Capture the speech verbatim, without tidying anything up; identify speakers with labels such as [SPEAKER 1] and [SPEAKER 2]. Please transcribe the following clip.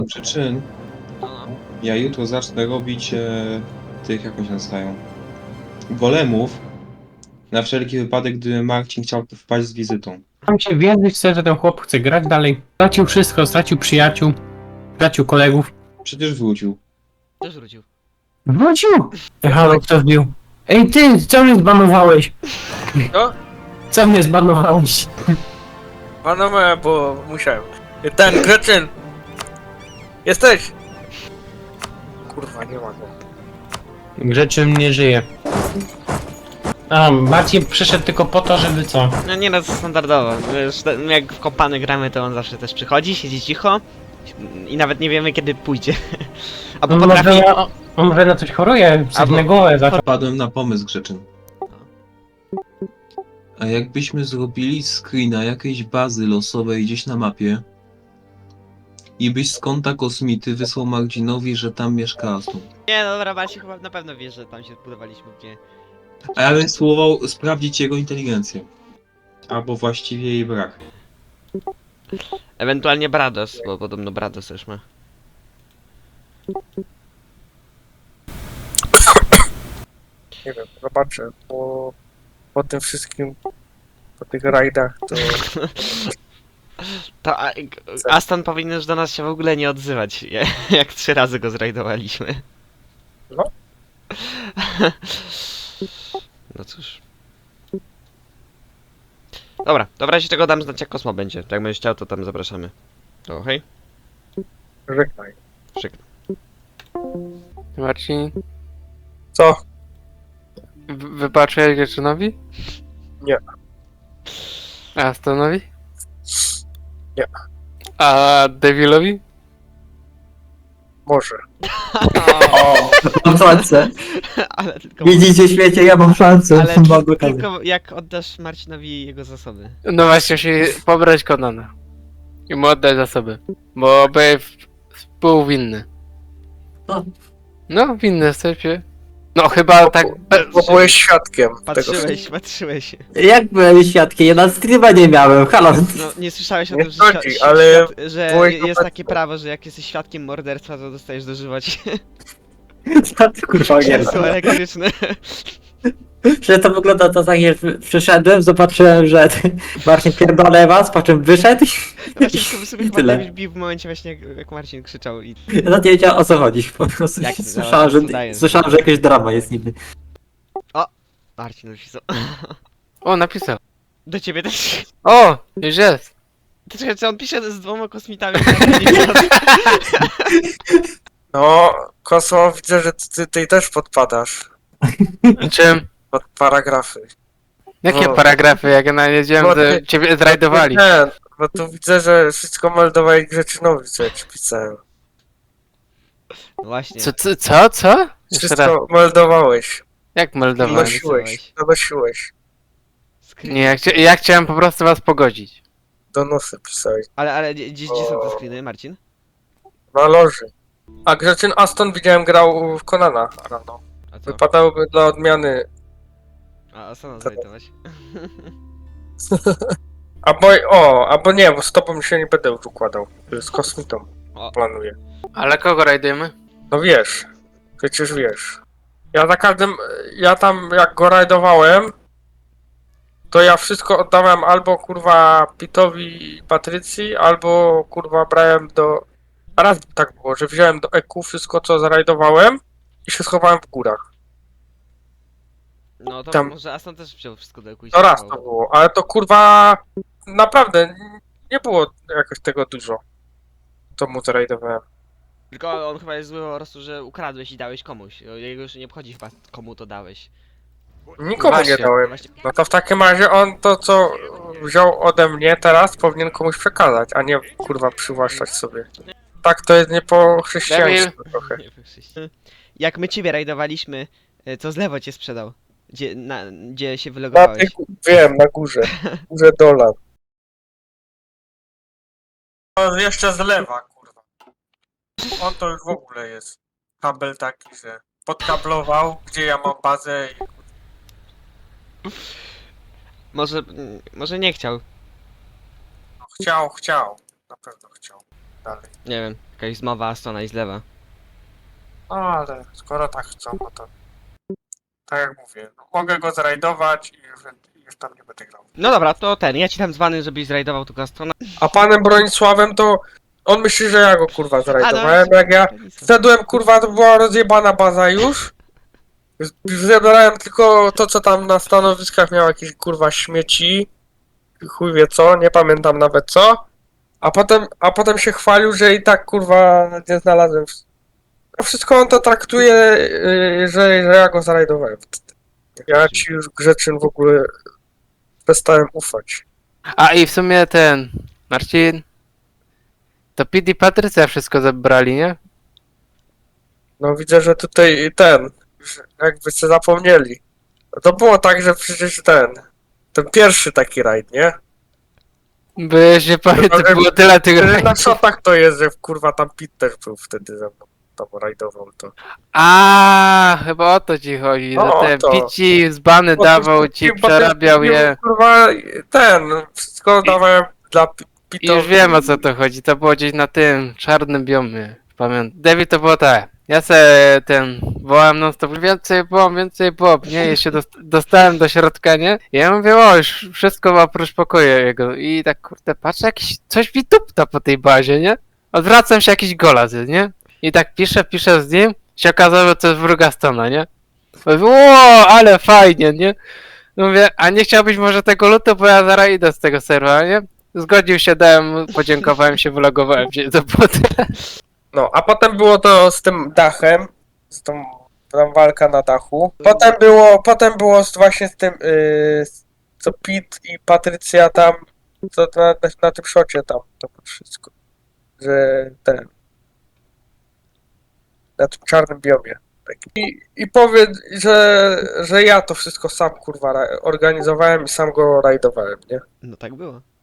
[SPEAKER 1] przyczyn
[SPEAKER 2] No, no.
[SPEAKER 1] ja jutro zacznę robić e, tych, jak oni się nazywają, golemów, na wszelki wypadek, gdyby Marcin chciał tu wpaść z wizytą.
[SPEAKER 3] Tam się wierzyć chce, że ten chłop chce grać dalej. Stracił wszystko, stracił przyjaciół, stracił kolegów.
[SPEAKER 1] Przecież wrócił.
[SPEAKER 2] Też wrócił.
[SPEAKER 3] Wrócił! Halo, kto wbił? Ej ty, co mnie zbanowałeś?
[SPEAKER 4] Co?
[SPEAKER 3] Co mnie zbanowałeś?
[SPEAKER 4] Panowałem, bo musiałem. Ten, Gretchen! Jesteś! Kurwa, nie ma go.
[SPEAKER 3] Grzeczyn nie żyje. A, Marcin przyszedł tylko po to, żeby co?
[SPEAKER 2] No nie no, to standardowo. Wiesz, te- jak w kompany gramy, to on zawsze też przychodzi, siedzi cicho i nawet nie wiemy kiedy pójdzie. Albo
[SPEAKER 3] On
[SPEAKER 2] potrafi...
[SPEAKER 3] może, on, on może na coś choruje, coś
[SPEAKER 2] Albo-
[SPEAKER 3] na głowę zaczął.
[SPEAKER 1] Wpadłem na pomysł, Grzeczyn. A jakbyśmy zrobili screena jakiejś bazy losowej gdzieś na mapie i byś z konta kosmity wysłał Marcinowi, że tam mieszka Aston.
[SPEAKER 2] Nie no dobra, Marcin chyba na pewno wie, że tam się budowaliśmy gdzie...
[SPEAKER 1] A ja bym spróbował sprawdzić jego inteligencję. Albo właściwie jej brak.
[SPEAKER 2] Ewentualnie Brados, bo podobno Brados też ma.
[SPEAKER 4] Nie wiem, zobaczę, bo po tym wszystkim, po tych rajdach, to
[SPEAKER 2] To a, Aston powinien już do nas się w ogóle nie odzywać, jak trzy razy go zrajdowaliśmy.
[SPEAKER 4] No.
[SPEAKER 2] No cóż. Dobra, dobra, jeśli tego dam znać jak Kosmo będzie. Jak będziesz chciał, to tam zapraszamy. To hej.
[SPEAKER 4] żegnaj.
[SPEAKER 2] Szyk.
[SPEAKER 5] Marcin,
[SPEAKER 4] Co?
[SPEAKER 5] wy- wybaczyłeś Grzeczynowi?
[SPEAKER 4] Nie.
[SPEAKER 5] A Astonowi?
[SPEAKER 4] Nie.
[SPEAKER 5] A Devilowi?
[SPEAKER 4] Może.
[SPEAKER 6] O, mam szansę.
[SPEAKER 2] Ale tylko...
[SPEAKER 6] Widzicie świecie, ja mam szansę.
[SPEAKER 2] Ale
[SPEAKER 6] Mam
[SPEAKER 2] tylko,
[SPEAKER 6] okazję.
[SPEAKER 2] tylko jak oddasz Marcinowi jego zasoby.
[SPEAKER 5] No właśnie, musi pobrać Konana. I mu oddać zasoby. Bo by współwinny.
[SPEAKER 6] No.
[SPEAKER 5] No, winny jesteście. No chyba tak...
[SPEAKER 4] Bo byłeś świadkiem tego.
[SPEAKER 2] Patrzyłeś, patrzyłeś.
[SPEAKER 6] Jak byłem świadkiem? Ja na streama nie miałem, halo.
[SPEAKER 2] No, nie słyszałeś o
[SPEAKER 4] Nie
[SPEAKER 2] tym, że,
[SPEAKER 4] chodzi,
[SPEAKER 2] świ-
[SPEAKER 4] ale
[SPEAKER 2] świat, że
[SPEAKER 4] byłeś
[SPEAKER 2] jest
[SPEAKER 4] obecny.
[SPEAKER 2] takie prawo, że jak jesteś świadkiem morderstwa, to dostajesz dożywać.
[SPEAKER 6] Co ty kurwa
[SPEAKER 2] Krzesło
[SPEAKER 6] gierka?
[SPEAKER 2] elektryczne.
[SPEAKER 6] Że to wygląda to tak, że przyszedłem, zobaczyłem, że Marcin pierdolę was, po czym wyszedł
[SPEAKER 2] Właśnie sobie, sobie
[SPEAKER 6] i
[SPEAKER 2] chyba
[SPEAKER 6] tyle.
[SPEAKER 2] David bił w momencie właśnie jak, jak Marcin krzyczał i...
[SPEAKER 6] Ja nawet nie wiedziałem o co chodzi. Po prostu
[SPEAKER 2] Jak to
[SPEAKER 6] słyszałem,
[SPEAKER 2] zaraz
[SPEAKER 6] że,
[SPEAKER 2] udaję.
[SPEAKER 6] słyszałem, że jakaś drama jest niby.
[SPEAKER 2] Marcin napisał.
[SPEAKER 5] O, napisał.
[SPEAKER 2] Do ciebie też.
[SPEAKER 5] O, już jest.
[SPEAKER 2] Ty czekaj, co on pisze z dwoma kosmitami?
[SPEAKER 4] No, Kosmo, widzę, że ty, ty też podpadasz
[SPEAKER 5] Czym?
[SPEAKER 4] pod paragrafy.
[SPEAKER 5] Jakie
[SPEAKER 4] No.
[SPEAKER 5] paragrafy, jak ja nawiedziałem,
[SPEAKER 4] Bo
[SPEAKER 5] że
[SPEAKER 4] ty-
[SPEAKER 5] ciebie zrajdowali.
[SPEAKER 4] Nie, bo tu widzę, że wszystko meldowali Grzeczynowi, co ja ci pisałem.
[SPEAKER 2] No właśnie.
[SPEAKER 5] Co, co, co? co? Jeszcze raz.
[SPEAKER 4] Wszystko meldowałeś,
[SPEAKER 5] Jak meldowałem?
[SPEAKER 4] donosiłeś, donosiłeś.
[SPEAKER 2] Screen.
[SPEAKER 5] Nie, ja, chcia ja chciałem po prostu was pogodzić.
[SPEAKER 4] Donosy pisałeś.
[SPEAKER 2] Ale, ale gdzie, gdzie są te screeny, Marcin?
[SPEAKER 4] Na loży. A Grzeczyn Aston widziałem grał w Konana rano.
[SPEAKER 2] A co?
[SPEAKER 4] Wypadałoby dla odmiany.
[SPEAKER 2] A, a co nam zrajtować?
[SPEAKER 4] Albo o, albo nie, bo z tobą się nie będę już układał. Z kosmitą
[SPEAKER 2] O.
[SPEAKER 4] planuję.
[SPEAKER 5] Ale kogo rajdujemy?
[SPEAKER 4] No wiesz, przecież wiesz. Ja za każdym, ja tam jak go rajdowałem, to ja wszystko oddałem albo kurwa Pitowi i Patrycji, albo kurwa brałem do... A raz tak było, że wziąłem do E Q wszystko co zarajdowałem i się schowałem w górach.
[SPEAKER 2] No to
[SPEAKER 4] Tam-
[SPEAKER 2] może Aston też wziął wszystko do jakiegoś...
[SPEAKER 4] To raz to było, ale to kurwa naprawdę nie było jakoś tego dużo. To mu zarajdowałem.
[SPEAKER 2] Tylko on chyba jest zły po prostu, że ukradłeś i dałeś komuś. Jego już nie obchodzi chyba komu to dałeś.
[SPEAKER 4] Nikomu
[SPEAKER 5] Właśnie.
[SPEAKER 4] nie dałem.
[SPEAKER 2] Właśnie...
[SPEAKER 4] No to w takim razie on to co wziął ode mnie teraz powinien komuś przekazać, a nie kurwa przywłaszczać sobie. Tak to jest nie po chrześcijaństwu trochę.
[SPEAKER 2] Nie wykrzyś. Jak my ciebie rajdowaliśmy, e, co z lewo cię sprzedał? Gdzie, na, gdzie się
[SPEAKER 4] Na
[SPEAKER 2] wylogowałeś?
[SPEAKER 4] tych, wiem, na górze. Górze dolar. No jeszcze z lewa, kurwa. On to już w ogóle jest. Kabel taki, że podkablował, gdzie ja mam bazę i
[SPEAKER 2] Może, mm, może nie chciał.
[SPEAKER 4] chciał, chciał. Na pewno chciał. Dalej.
[SPEAKER 2] Nie wiem. Jakaś zmowa Astona i zlewa.
[SPEAKER 4] No ale skoro tak chcą, no to... Tak jak mówię, no, mogę go zrajdować i już, już tam nie będę grał.
[SPEAKER 2] No dobra, to ten, ja ci tam dzwany, żebyś zrajdował tego Astona.
[SPEAKER 4] A panem Bronisławem to... On myśli, że ja go kurwa zrajdowałem,
[SPEAKER 2] no,
[SPEAKER 4] jak ja... Wszedłem, kurwa, to była rozjebana baza już. Zebrałem tylko to, co tam na stanowiskach miał jakieś, kurwa, śmieci. Chuj wie co, nie pamiętam nawet co. A potem, a potem się chwalił, że i tak, kurwa, nie znalazłem. wsz- A wszystko on to traktuje, yy, że, że ja go zrajdowałem. Ja ci już, Grzeczyn, w ogóle przestałem ufać.
[SPEAKER 5] A i w sumie ten... Marcin... To Pete i Patrycja wszystko zebrali, nie?
[SPEAKER 4] No widzę, że tutaj ten, że jakby się zapomnieli. No to było tak, że przecież ten, ten pierwszy taki rajd, nie?
[SPEAKER 5] Bo ja się pamiętam,
[SPEAKER 4] Ale-
[SPEAKER 5] było tyle tych
[SPEAKER 4] Że Na
[SPEAKER 5] rajdów.
[SPEAKER 4] shotach to jest, że kurwa tam Pit też był wtedy ze mną, tam rajdował to.
[SPEAKER 5] A, chyba o to ci chodzi,
[SPEAKER 4] No,
[SPEAKER 5] że ten
[SPEAKER 4] to.
[SPEAKER 5] Pici zbany
[SPEAKER 4] Bo
[SPEAKER 5] dawał
[SPEAKER 4] to-
[SPEAKER 5] ci,
[SPEAKER 4] bo to-
[SPEAKER 5] przerabiał je.
[SPEAKER 4] Kurwa ten, wszystko dawałem dla Pi-
[SPEAKER 5] I
[SPEAKER 4] Pita.
[SPEAKER 5] już wiem o co to chodzi, to było gdzieś na tym czarnym biomie, pamiętam. David to było tak, ja se ten, wołałem non stop, więcej bomb, więcej bomb, nie, ja się dost dostałem do środka, nie? I ja mówię, o, już wszystko oprócz pokoju jego. I tak, kurde, patrzę, jakiś, coś mi tupta po tej bazie, nie? Odwracam się, jakiś golaz jest, nie? I tak piszę, piszę z nim, się okazało, że to jest wróg Astona, nie? Mówię, o, ale fajnie, nie? Mówię, a nie chciałbyś może tego lutu, bo ja zaraz idę z tego serwa, nie? Zgodził się, dałem, mu, podziękowałem się, wylogowałem się, to było tyle.
[SPEAKER 4] No, a potem było to z tym dachem, z tą tam walka na dachu. Potem było, potem było z, właśnie z tym, yy, co Pit i Patrycja tam, co na, na, na tym szocie tam, to było wszystko. Że ten, na tym czarnym biomie. Tak. I, i powiedz, że, że ja to wszystko sam kurwa ra- organizowałem i sam go rajdowałem, nie?
[SPEAKER 2] No tak było.